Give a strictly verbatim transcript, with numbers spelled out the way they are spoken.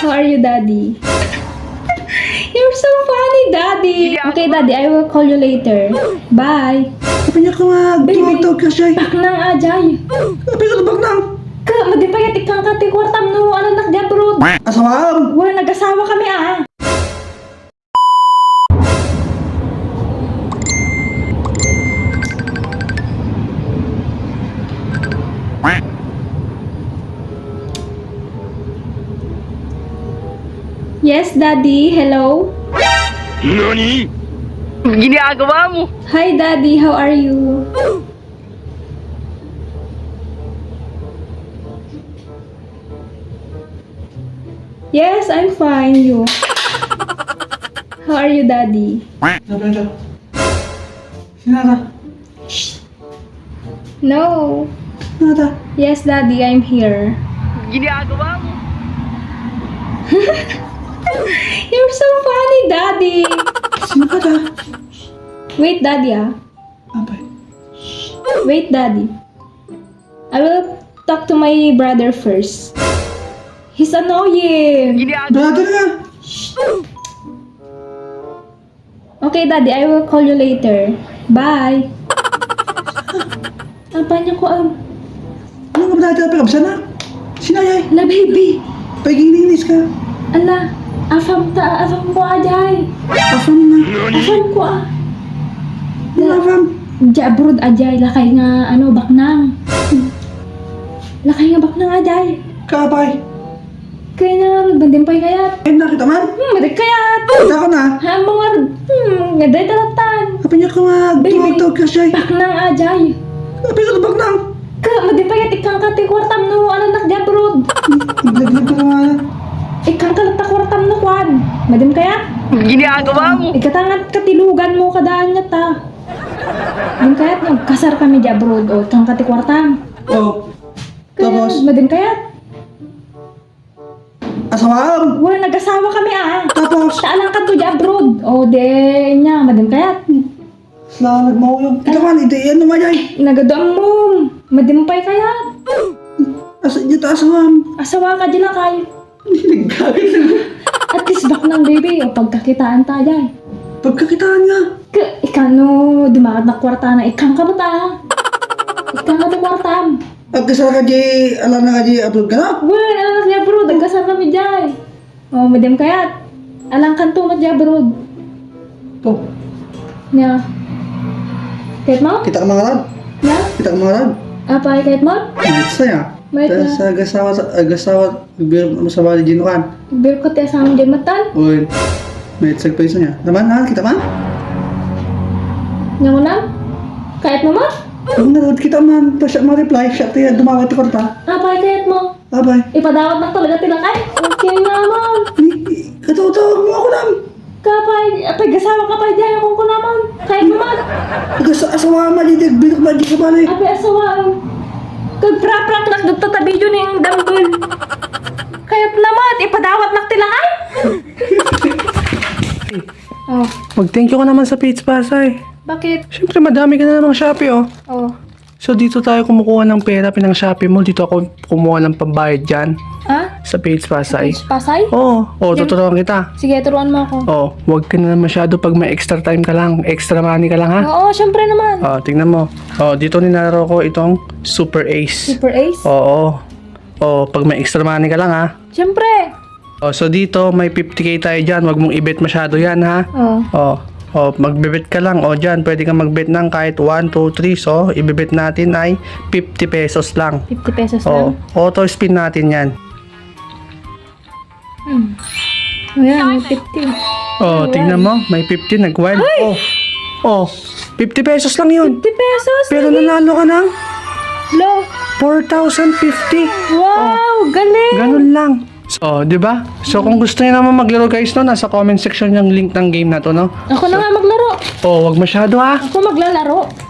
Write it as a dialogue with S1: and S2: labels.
S1: How are you, Daddy? You're so funny, Daddy. Okay, Daddy, I will call you later. Bye.
S2: Sabi niya ka nga, tumawag ka siya.
S1: Bak nang ajay.
S2: Sabi ka tabak nang.
S1: Ka, madipayat ikang kati kwartam no, ano nak di abroad.
S2: Asawam!
S1: Wala, nag-asawa kami ah. Yes, Daddy. Hello?
S3: Nani? Ginagawa mo?
S1: Hi, Daddy. How are you? Yes, I'm fine. You? How are you, Daddy?
S2: Sabi niya. Sinara.
S1: No.
S2: Sinara.
S1: Yes, Daddy. I'm here.
S3: Ginagawa mo?
S1: You're so funny, Daddy.
S2: Sinara.
S1: Wait, Daddy. Ah.
S2: Abay.
S1: Wait, Daddy. I will talk to my brother first. He's annoying.
S3: Ginagawa
S2: Brother nga.
S1: Okay, Daddy. I will call you later. Bye. Apa niya ko ang...
S2: Ano nga brother? Pagkabsa na. Sinayay.
S1: La, baby.
S2: Pagiging-inis ka.
S1: Ala, afam ta, afam ko ajay.
S2: Afam na.
S1: Afam ko ah.
S2: Ano afam?
S1: Jabrod ajay, lakay nga, ano, baknang. Lakay nga baknang ajay.
S2: Kabay.
S1: Kaya na, bandimpay kayat.
S2: Eh, nakita man.
S1: Hmm, madig kayat.
S2: Kita ko na.
S1: Ha, mga, hmm, ngaday talatan.
S2: Sabi niya ka nga,
S1: Baby.
S2: tumawag ka siya.
S1: Baknang ajay.
S2: Sabi ka tabak nang.
S1: Ka, madipayat ikang kati kwartam no, ano, nak jabrod.
S2: Naglag ka naman.
S1: Ikang kalata kwartam no, kwan. Madim kayat.
S3: Ginagawa mo?
S1: Ikatangat katilugan mo kadaan nga ta. Madim kayat, kasar kami jabrod. O, ikang kati kwartam.
S2: Oh.
S1: Kaya,
S2: Tapos,
S1: madim kayat.
S2: asawam.
S1: Wala, nag-asawa kami ah.
S2: Tapos,
S1: Saalang ka to di abroad. O, de niya, madim kayat.
S2: Salamat mo yung. Kita man, hindi yan naman yay.
S1: Nagadoang mo. Madimpay kayat.
S2: Asa niya ta asawam.
S1: Asawa ka dyan kay.
S2: Hindi nagkagad na.
S1: At least bak ng baby. O, pagkakitaan tayo ay.
S2: Pagkakitaan nga.
S1: Ka, ikano, dumakat na kwarta na. Ikang ka ba ta? Ikang ka na kwartam.
S2: At kasal ka di, alam na ka di, upload ka na.
S1: Wala, alam niya bro. Nagkasal kami dyan. O, madim kayat. Alang kanto mat dyan bro.
S2: Oh,
S1: Niya. Kahit mo?
S2: kita ka mga rad.
S1: Niya?
S2: Kita ka mga rad.
S1: Apay kahit mo?
S2: Ito saya.
S1: May
S2: Tapos sa agasawa, sa agasawa, biro mo sa bali ginukan.
S1: Bir ko tayo sa aming dyan matan.
S2: Uy, may tsag pa isa niya. Naman ha, kita man?
S1: Niya mo lang? Kahit mo mo?
S2: Kung nanood kita man, tapos siya ma-reply, siya tayo dumawat ako ta.
S1: Apay kahit mo?
S2: Abay,
S1: Ipadawat na talaga tilakay. Okay naman.
S2: katawag mo ako lang.
S1: Kapay, apay gasawa ka pa dyan kung ko naman. Kahit naman.
S2: Agasawa ma, di binok ba di sa bali.
S1: Apay asawaan. Kagpra-prak nak nagtatabi yun yung dambol. Kahit naman, ipadawat na tilakay. Oh,
S2: Mag-thank you ka naman sa Page Pasay.
S1: bakit?
S2: Siyempre, madami ka na namang Shopee, oh.
S1: Oh.
S2: So, dito tayo kumukuha ng pera, pinang Shopee mo. Dito ako kumuha ng pambayad dyan
S1: Ah?
S2: sa Page Pasay.
S1: Pasay?
S2: Oo, oh, oh, tuturuan kita.
S1: Sige, turuan mo ako.
S2: Oh, huwag ka na masyado pag may extra time ka lang. Extra money ka lang, ha?
S1: Oo, syempre naman.
S2: Oh, tingnan mo. Oh, dito ninalaro ko itong Super Ace.
S1: Super Ace?
S2: Oo. Oh, pag may extra money ka lang, ha?
S1: Syempre.
S2: Oh, so dito may fifty k tayo dyan. Huwag mong i-bet masyado yan, ha?
S1: Oh.
S2: Oh, oh, magbebet ka lang. Oh, dyan, pwede kang magbet ng kahit one, two, three. So, ibebet natin ay fifty pesos lang.
S1: fifty pesos
S2: Oh,
S1: lang.
S2: auto spin natin yan.
S1: Hmm. Ayan, may fifty.
S2: Oh, tingnan mo, may fifty nag-wild. Oh, oh, fifty pesos lang yun.
S1: fifty pesos?
S2: Pero nanalo ka ng
S1: Lo.
S2: four thousand fifty.
S1: Wow, galing.
S2: Ganun lang. So, di ba? So, kung gusto niyo naman maglaro guys, no, nasa comment section yung link ng game na to, no?
S1: Ako na nga maglaro.
S2: Oh, wag masyado ha.
S1: Ako maglalaro.